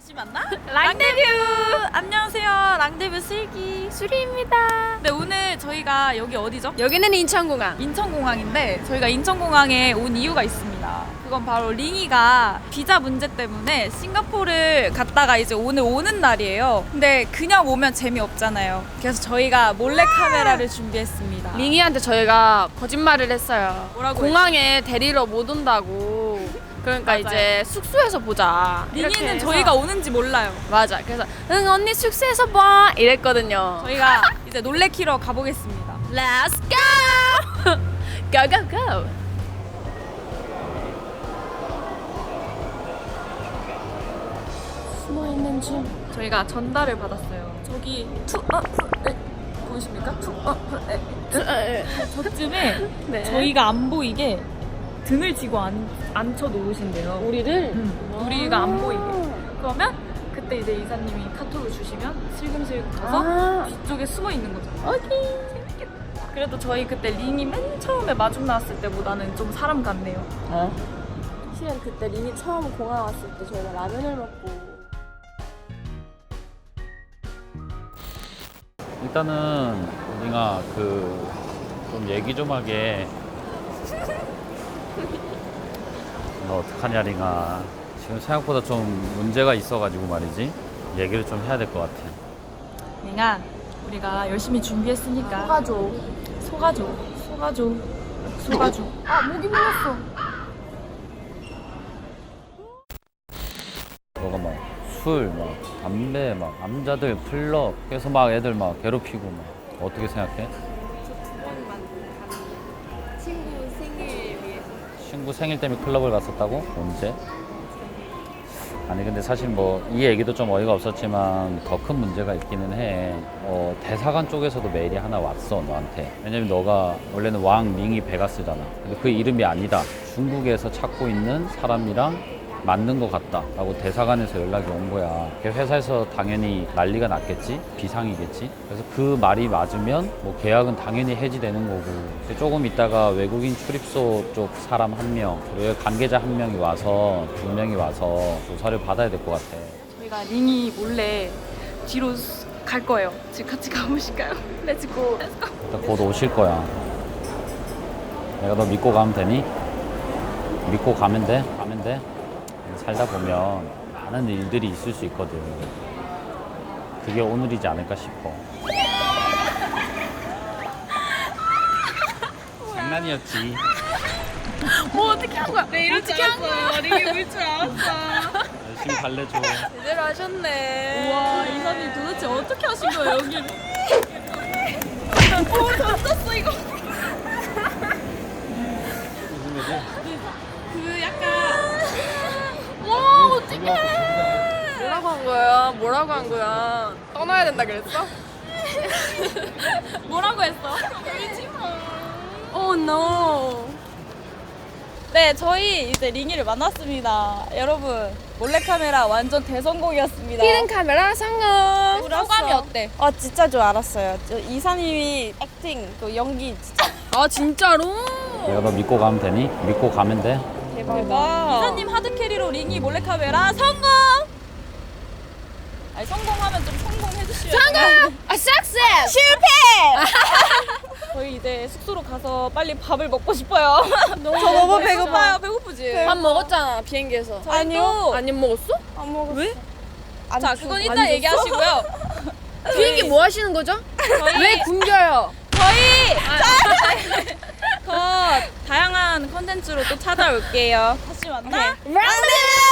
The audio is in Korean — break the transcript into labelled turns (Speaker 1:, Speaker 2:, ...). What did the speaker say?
Speaker 1: 다시 만나?
Speaker 2: 랑데뷰!
Speaker 1: 안녕하세요. 랑데뷰 슬기
Speaker 2: 수리입니다.
Speaker 1: 네, 오늘 저희가 여기 어디죠?
Speaker 2: 여기는 인천공항.
Speaker 1: 인천공항인데 저희가 인천공항에 온 이유가 있습니다. 그건 바로 링이가 비자 문제 때문에 싱가포르를 갔다가 이제 오늘 오는 날이에요. 근데 그냥 오면 재미없잖아요. 그래서 저희가 몰래카메라를 준비했습니다.
Speaker 2: 링이한테 저희가 거짓말을 했어요.
Speaker 1: 뭐라고
Speaker 2: 공항에 데리러 못 온다고. 그러니까
Speaker 1: 맞아요.
Speaker 2: 이제 숙소에서 보자. 이렇게
Speaker 1: 링이는
Speaker 2: 해서.
Speaker 1: 저희가 오는지 몰라요.
Speaker 2: 맞아. 그래서 응 언니 숙소에서 봐 이랬거든요.
Speaker 1: 저희가 이제 놀래키러 가보겠습니다.
Speaker 2: Let's go! go go go! 숨어있는 중.
Speaker 1: 저희가 전달을 받았어요. 저기 보이십니까? 저쯤에
Speaker 2: 네.
Speaker 1: 저희가 안 보이게 등을 지고 앉혀 놓으신대요.
Speaker 2: 우리를
Speaker 1: 우리가 안 보이게. 그러면 그때 이제 이사님이 카톡을 주시면 슬금슬금 가서 뒤쪽에 숨어 있는 거죠. 재밌겠다. 그래도 저희 그때 링이 맨 처음에 마중 나왔을 때보다는 좀 사람 같네요.
Speaker 2: 실은 그때 링이 처음 공항 왔을 때 저희가 라면을 먹고
Speaker 3: 일단은 우리가 좀 얘기 좀 하게. 너 어떡하냐 링아. 지금 생각보다 좀 문제가 있어가지고 말이지. 얘기를 좀 해야 될 것 같아.
Speaker 1: 링아, 우리가 열심히 준비했으니까 속아줘. 아, 목이 물렸어.
Speaker 3: 너가 막 술, 막 담배, 막 남자들 클럽 해서 막 애들 막 괴롭히고 막 어떻게 생각해?
Speaker 2: 친구 생일 위해서
Speaker 3: 친구 생일 때문에 클럽을 갔었다고? 언제? 아니 근데 사실 뭐 이 얘기도 좀 어이가 없었지만 더 큰 문제가 있기는 해. 대사관 쪽에서도 메일이 하나 왔어 너한테. 왜냐면 너가 원래는 왕 링이 베가스잖아. 근데 그 이름이 아니다. 중국에서 찾고 있는 사람이랑 맞는 것 같다 라고 대사관에서 연락이 온 거야. 회사에서 당연히 난리가 났겠지, 비상이겠지. 그래서 그 말이 맞으면 뭐 계약은 당연히 해지되는 거고. 조금 있다가 외국인 출입소 쪽 사람 한 명, 그리고 관계자 한 명이 와서, 2명이 와서 조사를 받아야 될 것 같아.
Speaker 1: 저희가 링이 몰래 뒤로 갈 거예요. 지금 같이 가보실까요? 렛츠고.
Speaker 3: 일단 곧 오실 거야. 내가 너 믿고 가면 되니? 믿고 가면 돼? 가면 돼? 살다 보면 많은 일들이 있을 수 있거든. 그게 오늘이지 않을까 싶어. 장난이었지.
Speaker 1: 뭐 어떻게 한 거야? 네, 이럴 줄 알았어. 링이 울 줄 알았어.
Speaker 3: 열심히 달래줘.
Speaker 2: 제대로 하셨네.
Speaker 1: 우와, 이사님 도대체 어떻게 하신 거예요, 여기를? 던졌어, 이거.
Speaker 3: 무슨 일이지?
Speaker 1: 그 약간.
Speaker 2: 와 어떡해. 뭐라고 한 거야? 떠나야 된다 그랬어?
Speaker 1: 뭐라고 했어? 울지 마.
Speaker 2: Oh no.
Speaker 1: 네, 저희 이제 링이를 만났습니다. 여러분, 몰래카메라 완전 대성공이었습니다.
Speaker 2: 히든 카메라 성공.
Speaker 1: 소감이 어때?
Speaker 4: 아 진짜 줄 알았어요. 이사님이 액팅 또 연기 진짜
Speaker 2: 아 진짜로?
Speaker 3: 내가 너 믿고 가면 되니? 믿고 가면 돼?
Speaker 4: 대박.
Speaker 1: 이사님 하드캐리로 링이 몰래카메라 성공! 아니, 성공하면 좀 성공해주시면.
Speaker 2: 성공! 아 석세스!
Speaker 4: 실패.
Speaker 1: 저희 이제 숙소로 가서 빨리 밥을 먹고 싶어요.
Speaker 4: 저 너무 배고파요.
Speaker 1: 배고프지?
Speaker 2: 밥 먹었잖아 비행기에서.
Speaker 1: 아니요.
Speaker 2: 안 먹었어?
Speaker 4: 안 먹었어.
Speaker 2: 왜?
Speaker 4: 안
Speaker 1: 자,
Speaker 4: 줘.
Speaker 1: 그건
Speaker 2: 안
Speaker 1: 이따
Speaker 2: 줬어?
Speaker 1: 얘기하시고요.
Speaker 2: 비행기 뭐 하시는 거죠? 왜 굶겨요?
Speaker 1: 더 다양한 컨텐츠로 또 찾아올게요. 다시 만나?
Speaker 4: 랑데뷰.